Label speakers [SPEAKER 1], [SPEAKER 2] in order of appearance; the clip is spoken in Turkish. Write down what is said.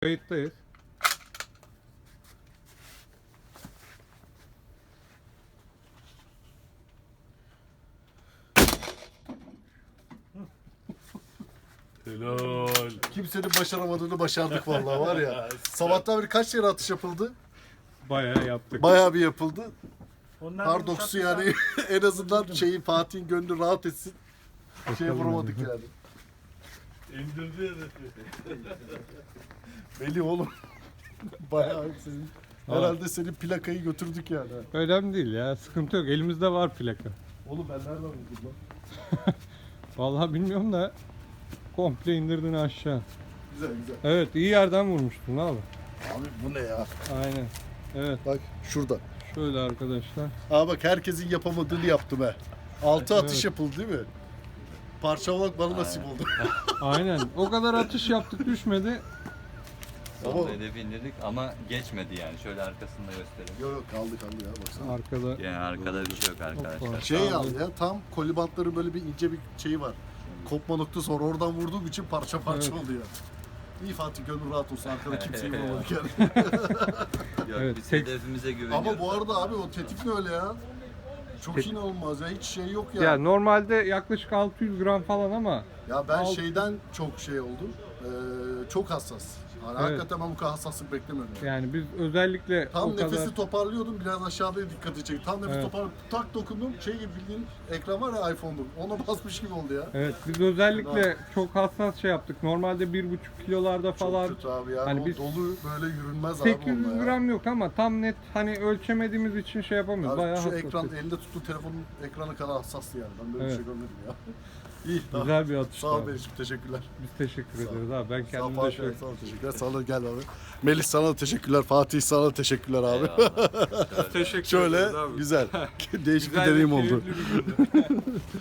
[SPEAKER 1] Kayıttayız.
[SPEAKER 2] Helal.
[SPEAKER 3] Kimsenin başaramadığını başardık vallahi var ya. Sabahtan beri kaç yere atış yapıldı?
[SPEAKER 1] Bayağı yaptık.
[SPEAKER 3] Bayağı bir yapıldı.
[SPEAKER 2] Onlar
[SPEAKER 3] Pardoksu yani en azından Fatih'in gönlü rahat etsin. Şeye vuramadık yani.
[SPEAKER 2] indirdi hedefi.
[SPEAKER 3] Belli oğlum. Bayağı senin. Herhalde senin plakayı götürdük yani.
[SPEAKER 1] Önemli değil ya. Sıkıntı yok. Elimizde var plaka.
[SPEAKER 3] Oğlum ben nereden buldum lan?
[SPEAKER 1] Vallahi bilmiyorum da komple indirdin aşağı.
[SPEAKER 3] Güzel güzel.
[SPEAKER 1] Evet, iyi yerden vurmuştun abi.
[SPEAKER 3] Abi bu ne ya?
[SPEAKER 1] Aynen. Evet,
[SPEAKER 3] Bak şurada.
[SPEAKER 1] şöyle arkadaşlar.
[SPEAKER 3] Aa bak herkesin yapamadığını yaptım he. 6 atış
[SPEAKER 1] Evet.
[SPEAKER 3] yapıldı değil mi? Parçalamak bana nasip oldu.
[SPEAKER 1] Aynen. O kadar atış yaptık, düşmedi.
[SPEAKER 3] Ama-
[SPEAKER 4] Son hedefi indirdik ama geçmedi yani. Şöyle arkasında gösterelim.
[SPEAKER 3] Yok yok kaldı ya baksana.
[SPEAKER 1] Arkada
[SPEAKER 4] Yani arkada bir şey yok arkadaşlar.
[SPEAKER 3] Şey aldı ya tam kolibantları böyle bir ince bir şeyi var. Kopma noktası var. Oradan vurduğum için parça parça
[SPEAKER 1] Evet.
[SPEAKER 3] oluyor. İyi Fatih gönül rahat olsun. Arkada kimseyi vuramadık yani.
[SPEAKER 4] Yok,
[SPEAKER 1] Evet,
[SPEAKER 4] biz
[SPEAKER 1] tek-
[SPEAKER 4] hedefimize güveniyoruz.
[SPEAKER 3] Ama bu arada abi o tetik ne öyle ya? Çok
[SPEAKER 1] Tetik-
[SPEAKER 3] inanılmaz ya. Hiç şey yok ya.
[SPEAKER 1] ya normalde yaklaşık 600 gram falan ama
[SPEAKER 3] Ya ben
[SPEAKER 1] Al-
[SPEAKER 3] şeyden çok şey oldum. Çok hassas. Yani
[SPEAKER 1] Evet.
[SPEAKER 3] hakikaten ben bu kadar hassaslık beklemiyordum.
[SPEAKER 1] yani biz özellikle
[SPEAKER 3] Tam
[SPEAKER 1] o kadar
[SPEAKER 3] nefesi toparlıyordum biraz aşağıya dikkati çekti. Tam nefes
[SPEAKER 1] Evet.
[SPEAKER 3] toparladım. Tak dokundum. Şey gibi bildiğin ekran var ya iPhone'da. Ona basmış gibi oldu ya.
[SPEAKER 1] evet biz özellikle çok hassas şey yaptık. Normalde 1,5 kilolarda falan
[SPEAKER 3] Çok kötü abi ya.
[SPEAKER 1] Hani
[SPEAKER 3] O
[SPEAKER 1] biz-
[SPEAKER 3] dolu böyle yürünmez abi
[SPEAKER 1] 800
[SPEAKER 3] onunla ya.
[SPEAKER 1] gram yok ama tam net hani ölçemediğimiz için şey yapamıyoruz.
[SPEAKER 3] Abi
[SPEAKER 1] Bayağı
[SPEAKER 3] şu
[SPEAKER 1] hassas.
[SPEAKER 3] ekran elinde tuttuğu telefonun ekranı kadar hassastı yani. Ben böyle
[SPEAKER 1] Evet.
[SPEAKER 3] bir şey görmedim ya. İyi tamam.
[SPEAKER 1] Güzel bir atış.
[SPEAKER 3] Sağ ol
[SPEAKER 1] abi.
[SPEAKER 3] Benim teşekkürler.
[SPEAKER 1] Biz teşekkür
[SPEAKER 3] Sağ ol.
[SPEAKER 1] ederiz abi. Ben
[SPEAKER 3] Sağ ol
[SPEAKER 1] kendim de
[SPEAKER 3] Fatih,
[SPEAKER 1] şöyle.
[SPEAKER 3] sağ ol teşekkürler. Sana da gel abi. Melis sana da teşekkürler. Fatih sana da teşekkürler abi.
[SPEAKER 4] Eyvallah.
[SPEAKER 1] Teşekkür
[SPEAKER 3] Şöyle
[SPEAKER 1] ederiz abi.
[SPEAKER 3] güzel. Değişik
[SPEAKER 1] Güzel
[SPEAKER 3] bir
[SPEAKER 1] ve
[SPEAKER 3] deneyim oldu.
[SPEAKER 1] keyifli bir gündü.